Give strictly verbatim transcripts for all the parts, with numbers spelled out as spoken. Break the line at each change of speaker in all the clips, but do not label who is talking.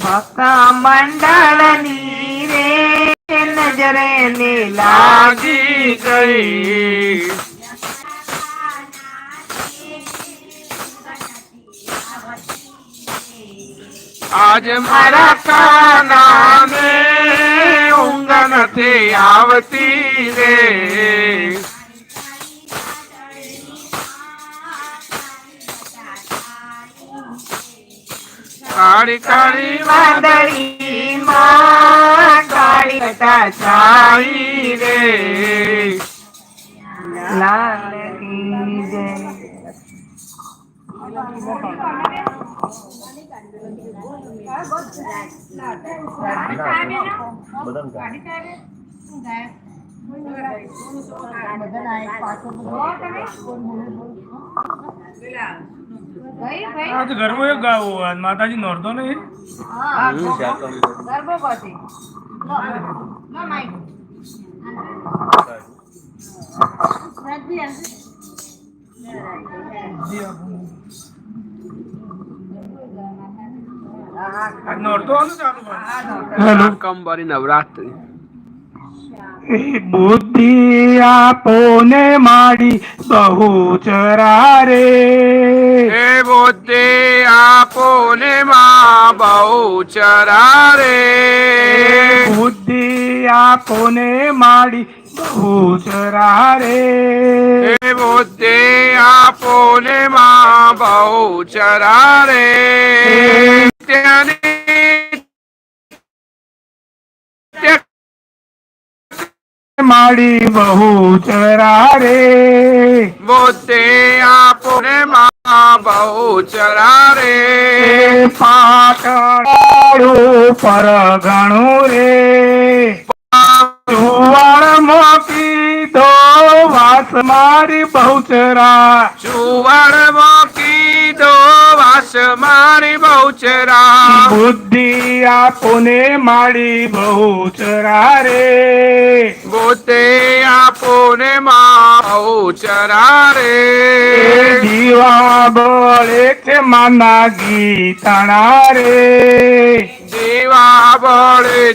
ભક્ત મંડળની રે નજરે ને લાગી ગઈ. આજ મારા કાનાને ઊંઘ નથી આવતી રે. કાળી કાળી વાદળી માં કાળી ઘટા છાઈ રે. લાલ કી જય.
आज गरबो एक गावो आज माताजी नोरतो नहीं
ગરબો પછી નો માઈક
आज नोरतो आलो चालू
हेलो कंबारी नवरात्रि
बुद्धि आपने माड़ी बहु चरा रे.
हे बुद्धि आपने माँ बहु चरा रे.
बुद्धि आपने माड़ी बहु चरा रे.
हे बुद्धि आपने माँ बहु चरा रे.
माड़ी बहु चरा रे.
बुद्धि आपने माँ बहु चरा रे.
पाटू पर गणु रे. चुवाड़ मोकी दो वास मारी बहुचरा.
चुवाड़ मोकी दो वास मारी बहुचरा.
बुद्धि आपने माड़ी बहुचरा रे.
बुद्धि आपने माँ बहुचरा रे.
जीवा बोले छे माना गीतणा रे.
जीवा बोले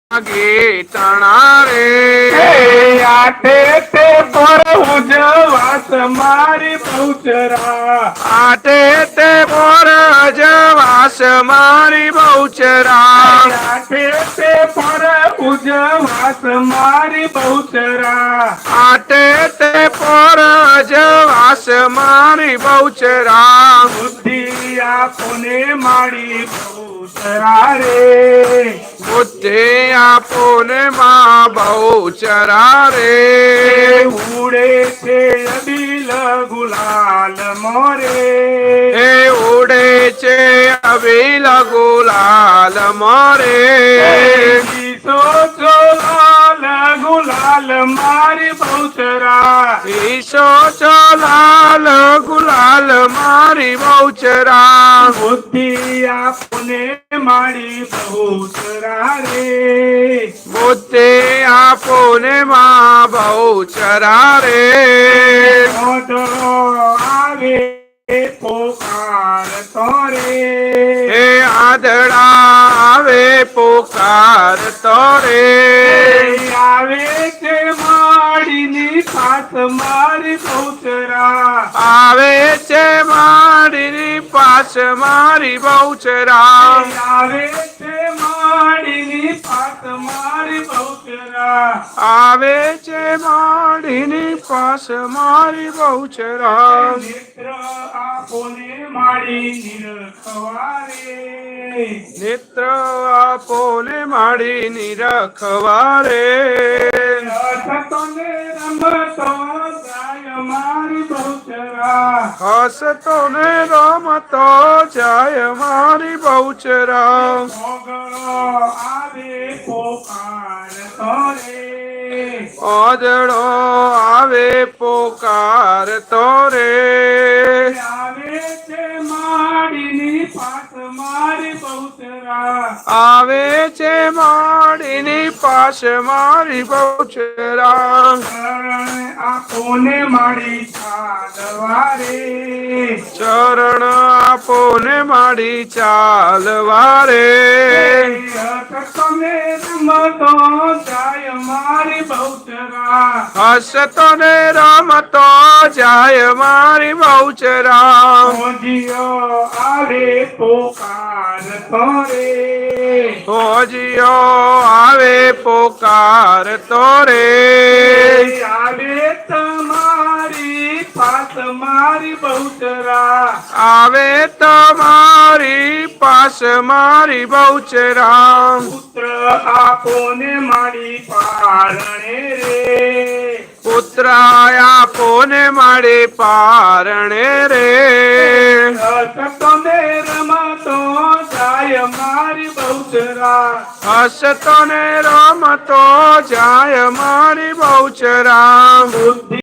गीतणा रे.
आटे ते पर उजवास मारी बहुचरा.
आटे ते पर उजवास मारी बहुचरा.
आटे ते पर उजवास मारी बहुचरा.
आटे ते पर उजवास मारी बहुचरा.
बुद्धि आपने मारी बहुचरा रे.
बुद्धि आपने माँ बहुचरा रे.
उड़े छे अबील गुलाल मोरे.
हे उड़े छे अबील गुलाल मोरे.
ईसो जो लाल गुलाल मारी बहुचरा.
ईसो जो लाल गुलाल मारी बहुचरा.
बुद्धि आपने मारी बहुचरा रे.
बुद्धि आपने माँ बहुचरा रे.
आवे पोकार तोरे.
हे आदड़ा आवे पुकार तोरे.
आवे छे माड़ी पास मारी बहुचरा.
आवे छे मारी पास मारी बहुचरा.
आवे छे माड़ी पास मारी बहुचरा.
आवे छे माड़ी पास मारी बहुचरा.
नेत्र आपने माड़ी निरखवारे.
नेत्र आपने माड़ी निरखवारे.
हसतोने रमतो जाय मारी बहुचरा.
हसतो ने रमतो जाय मारी बहुचरा.
आवे पोकार तोरे.
ओदड़ो आवे पोकार तोरे.
आवे छे माड़ी पास मारी बहुचरा.
आवे छे माड़ी પાસ મારી બહુચરા
શરણ આપોને મારી ચાલવારે
ચરણ આપો ને મારી ચાલવા રે
તમે રમતો જાય મારી બહુચરા
હસતો ને રમતો જાય મારી બહુચરા
મોજીઓ આવે પોકાર તોરે
હોજીઓ આવે પોકાર તો રે
આવે તમારી પાસ મારી બહુચરા
આવે તમારી પાસ મારી બહુચરા
પુત્ર આપોને મારી પારણે રે
પુત્ર આપો ને મારી પારણે રે
તમે રમતો જાય મારી બહુચરા
હસતો ને રમતો જાય મારી બહુચરા
બુદ્ધિ